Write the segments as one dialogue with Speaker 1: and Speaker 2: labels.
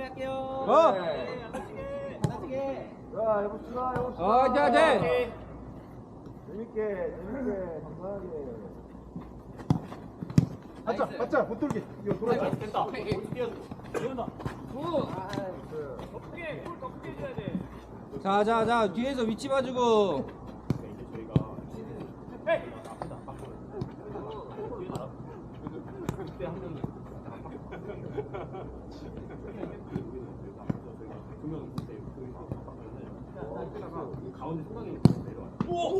Speaker 1: 할게요.
Speaker 2: 자, 해봅시다.
Speaker 1: 자,
Speaker 2: 재밌게, 건강하게. 맞자, 못 돌게. 이거 돌아가.
Speaker 3: 됐다. 뛰어온다.
Speaker 4: 더 크게 해줘야 돼.
Speaker 1: 자, 뒤에서 위치 봐주고.
Speaker 3: 이제 저희가 그때 한 명이 두명 그때 가운데 생각이 내려와요.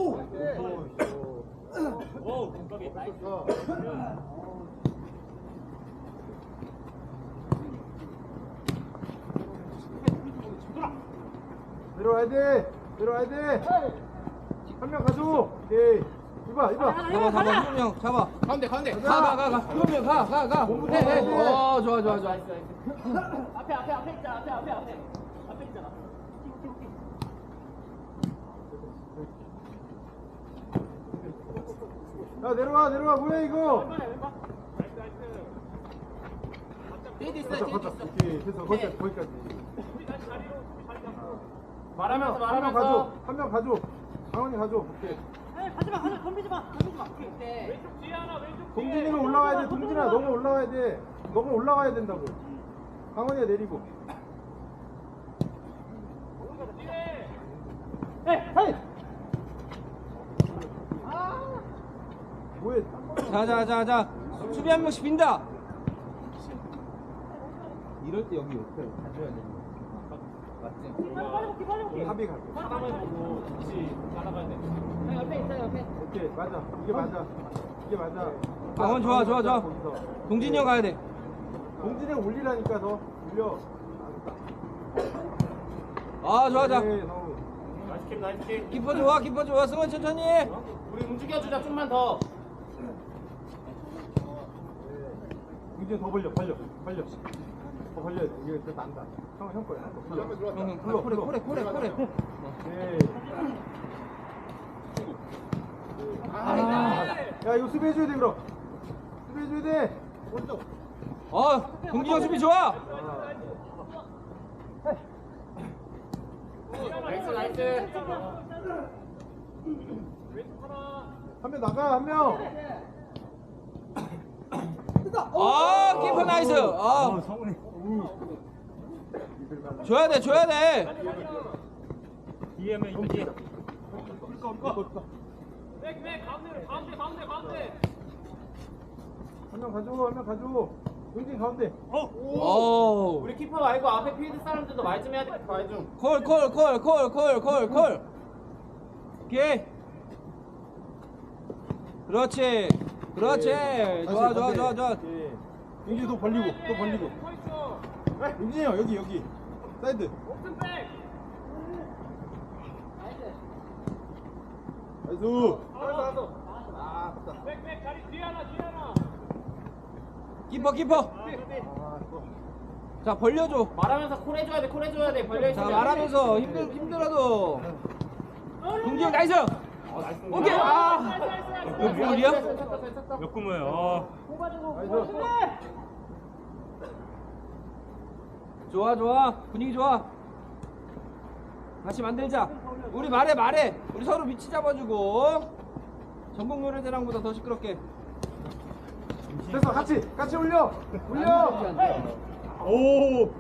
Speaker 3: 오, 공격이 나이스.
Speaker 2: 내려와야 돼. 한 명 가줘. 오케이. 이봐.
Speaker 1: 잡아. 희범형 잡아.
Speaker 4: 가운데.
Speaker 1: 가. 희범형 가. 해. 좋아.
Speaker 3: 앞에 있잖아.
Speaker 2: 야, 내려와. 뭐야, 이거? 가자. 오케이. 됐어. 거기까지.
Speaker 3: 말하면서.
Speaker 2: 한 명 가줘. 강원이 가줘. 오케이.
Speaker 5: 가지마 덤비지 마.
Speaker 4: 왼쪽 뒤에 하나, 왼쪽 뒤에.
Speaker 2: 동진이가 올라와야 돼. 동진아, 너가 올라와야 돼. 너가 올라와야 된다고. 강원이가 내리고.
Speaker 4: 뒤에.
Speaker 2: 헤이! 뭐해?
Speaker 1: 자. 수비 한 명씩 빈다. 이럴 때 여기 옆에 가줘야 돼. 맞지?
Speaker 2: 합의 가게.
Speaker 3: 사람을 보고 같이 따라가야 돼.
Speaker 2: 오케이, 맞아. 이게 맞아.
Speaker 1: 강원 좋아.
Speaker 2: 거기서.
Speaker 1: 동진이 형 가야 돼.
Speaker 2: 동진이 올리라니까 더 올려.
Speaker 1: 좋아.
Speaker 2: 네, 너무.
Speaker 3: 나이스 킥.
Speaker 1: 키퍼 좋아. 승원 천천히.
Speaker 3: 우리 움직여주자, 좀만 더.
Speaker 2: 동진이 더 벌려. 더 벌려야 돼. 이게 더 난다. 형 거야.
Speaker 1: 형, 코레.
Speaker 2: 네. 야, 이거 수비해줘야 돼, 그럼. 수비해줘야 돼. 오른쪽.
Speaker 1: 동진이 형 수비 좋아.
Speaker 3: 나이스.
Speaker 2: 한 명 나가, 한 명.
Speaker 1: 키퍼 나이스. 줘야 돼.
Speaker 3: 뒤에 면 뒤에.
Speaker 4: 백, 가운데.
Speaker 2: 한 명 가줘. 동진 가운데.
Speaker 3: 우리 키퍼 말고 앞에 필드 사람들도 말 좀 해야 돼. 말 좀.
Speaker 1: 콜. 오케이. 그렇지. 좋아.
Speaker 2: 동진이 또 벌리고.
Speaker 4: 서 있어.
Speaker 2: 동진이 형, 여기. 사이드.
Speaker 4: 옵션 백.
Speaker 2: 나이스.
Speaker 4: 백, 자리 뒤에 하나.
Speaker 1: 키퍼. 자, 벌려줘.
Speaker 3: 말하면서 콜 해줘야 돼. 벌려
Speaker 1: 자,
Speaker 3: 있으면.
Speaker 1: 말하면서 힘들어도. 동진이 형 나이스. 오케이. 몇 분이야?
Speaker 3: 몇 구모예요?
Speaker 1: 좋아. 분위기 좋아. 다시 만들자. 우리 말해. 우리 서로 위치 잡아주고. 전국 노래자랑보다 더 시끄럽게.
Speaker 2: 됐어, 같이 올려. 오.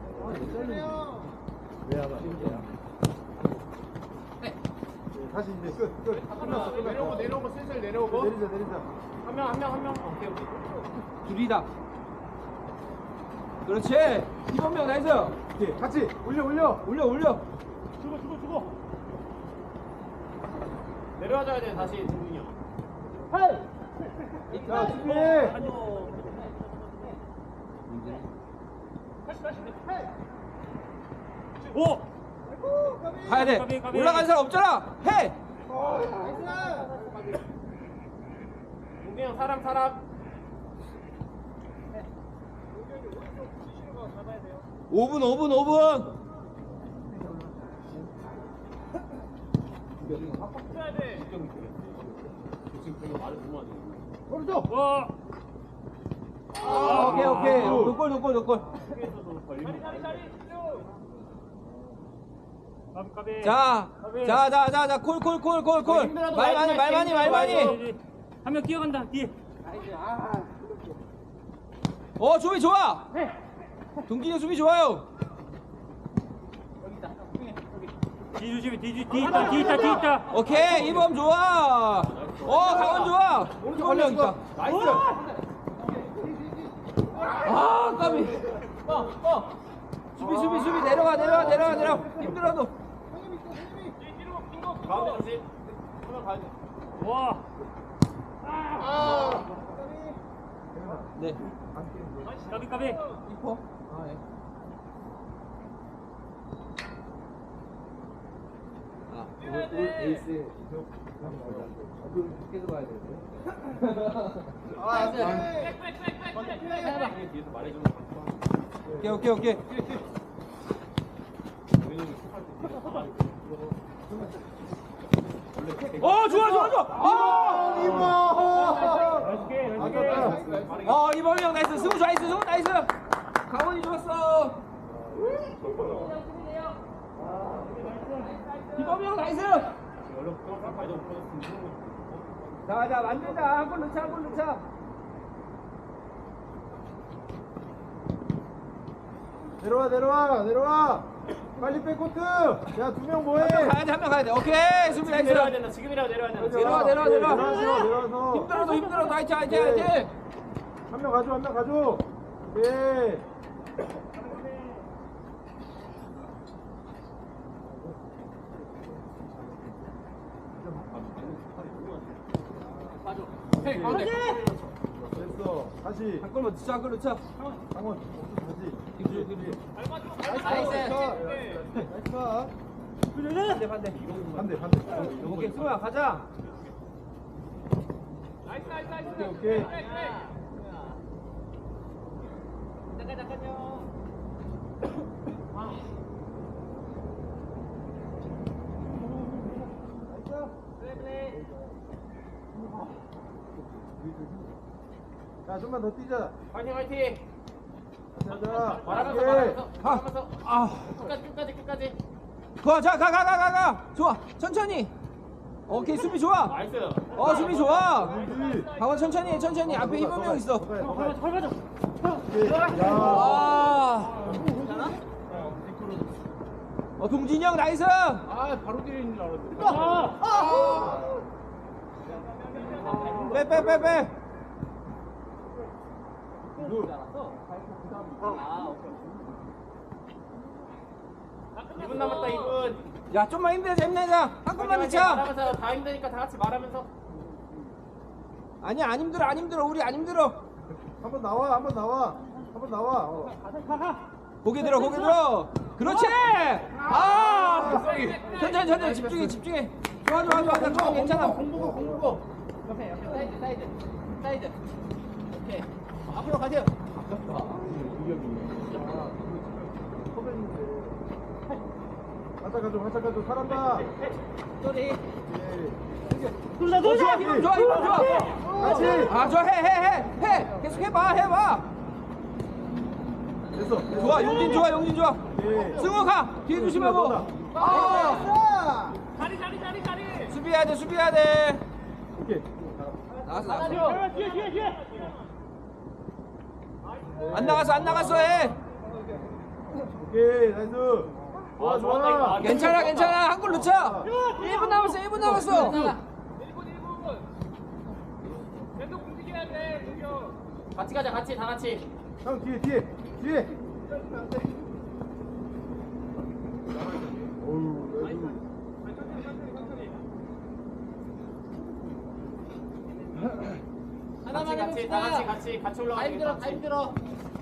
Speaker 2: 다시 이제 끝났어.
Speaker 3: 내려오고 슬슬 내려오고.
Speaker 2: 내리자.
Speaker 3: 한 명. 오케이.
Speaker 1: 둘이다. 그렇지. 희범형 나이스.
Speaker 2: 오케이, 같이 올려.
Speaker 1: 올려.
Speaker 3: 주고. 내려와줘야 돼 다시 동준이 형.
Speaker 2: 자, 준비해.
Speaker 3: 오.
Speaker 1: 가야 돼. 올라간 사람 없잖아. 해.
Speaker 3: 동준이 형 사람.
Speaker 1: 5분.
Speaker 4: 붙여야 돼.
Speaker 3: 지금 그거 말을 너무 하네.
Speaker 2: 오른쪽.
Speaker 3: 와.
Speaker 1: 오케이 오케이. 노골. 자, 콜.
Speaker 3: 힘들어도
Speaker 1: 말 많이.
Speaker 4: 한 명 뛰어간다 뒤에.
Speaker 1: 수비 좋아. 동진이 수비 좋아요.
Speaker 4: 뒤 조심해 뒤 있다.
Speaker 1: 오케이, 이범 좋아. 강원 좋아. 이범 있다.
Speaker 2: 나이스.
Speaker 1: 까비. 수비 내려가. 힘들어도.
Speaker 3: 가운데 조심. 한명 가야 돼.
Speaker 4: 와.
Speaker 1: 네.
Speaker 4: 까비.
Speaker 1: 이퍼. 예. 오늘 에이스. 계속 가야 되는데.
Speaker 3: 뒤에서 말해주면
Speaker 1: 오케이. 좋아. 이범이 형 나이스. 승우 나이스. 강원이 좋았어. 이범이 형 나이스. 자, 만들자. 한 골 넣자.
Speaker 2: 내려와. 빨리 백코트. 야, 2명 뭐해?
Speaker 1: 한 명 가야 돼. 오케이. 수비 나이스.
Speaker 3: 내려야 된다. 지금이라도 내려야 된다.
Speaker 1: 내려와.
Speaker 2: 내려와서.
Speaker 1: 힘들어도 화이팅.
Speaker 2: 한 명 가져. 오케이. 됐어. 다시.
Speaker 1: 한 골만 넣자.
Speaker 2: 강원. 다시.
Speaker 1: 기분.
Speaker 2: 나이스.
Speaker 1: 반대. 오케이, 승우야 가자.
Speaker 2: 오케이. 자, 좀만 더 뛰자.
Speaker 3: 화이팅.
Speaker 2: 가자.
Speaker 3: 말하면서. 끝까지.
Speaker 1: 가. 좋아. 천천히. 오케이, 수비 좋아.
Speaker 3: 나이스.
Speaker 1: 수비 좋아.
Speaker 2: 그렇지.
Speaker 1: 강원 천천히. 앞에 이범이 형 있어.
Speaker 2: 오케이. 야.
Speaker 1: 동진이 형 나이스.
Speaker 3: 바로 뒤에 있는 줄 알았는데.
Speaker 1: 빼.
Speaker 2: 굿.
Speaker 3: 2분 남았다. 2분.
Speaker 1: 야, 좀만 힘내자. 한 골만 넣자.
Speaker 3: 말하면서 다 힘드니까 다 같이 말하면서.
Speaker 1: 아니야, 안 힘들어. 우리 안 힘들어.
Speaker 2: 한번 나와.
Speaker 1: 고개 들어. 그렇지. 천천히 집중해. 좋아. 괜찮아.
Speaker 3: 공부고. 옆에 사이드. 오케이. 앞으로 가세요.
Speaker 2: 활짝 가져. 살았다.
Speaker 3: 소리.
Speaker 1: 좋아. 이범 좋아.
Speaker 2: 같이.
Speaker 1: 좋아. 해. 계속 해봐.
Speaker 2: 됐어.
Speaker 1: 좋아. 용진 좋아.
Speaker 2: 오케이.
Speaker 1: 승우 가. 뒤에 조심하고.
Speaker 4: 자리.
Speaker 1: 수비해야 돼.
Speaker 2: 오케이.
Speaker 1: 나갔어.
Speaker 4: 뒤에.
Speaker 1: 안 나갔어. 해.
Speaker 2: 오케이. 나이스. 좋아.
Speaker 1: 괜찮아. 한 골 넣자. 1분 남았어.
Speaker 4: 1분. 계속 움직여야 돼. 공격.
Speaker 3: 같이 가자. 다 같이.
Speaker 2: 형 뒤에. 어우,
Speaker 3: 하나만 같이 올라가. 다 힘들어.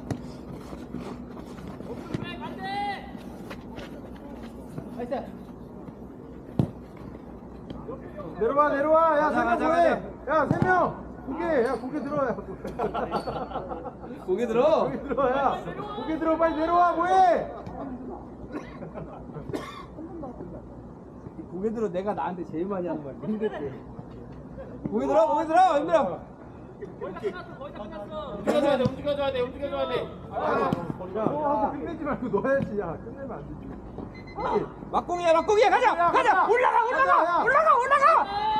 Speaker 2: 내려와. 야,
Speaker 1: 가자.
Speaker 2: 3명 뭐해? 야, 3명. 고개 들어. 야.
Speaker 1: 고개 들어.
Speaker 2: 야. 고개 들어. 빨리 내려와. 뭐해?
Speaker 1: 고개 들어. 내가 나한테 제일 많이 하는 거야. 힘들게. 고개 들어. 힘들어.
Speaker 3: 움직여줘야 돼, 움직여줘야 돼, 움직여줘야 돼.
Speaker 2: 끝내지 말고 넣어야지. 야, 끝내면 안 되지.
Speaker 1: 막공이야 가자 올라가
Speaker 2: 가자, 야.
Speaker 1: 올라가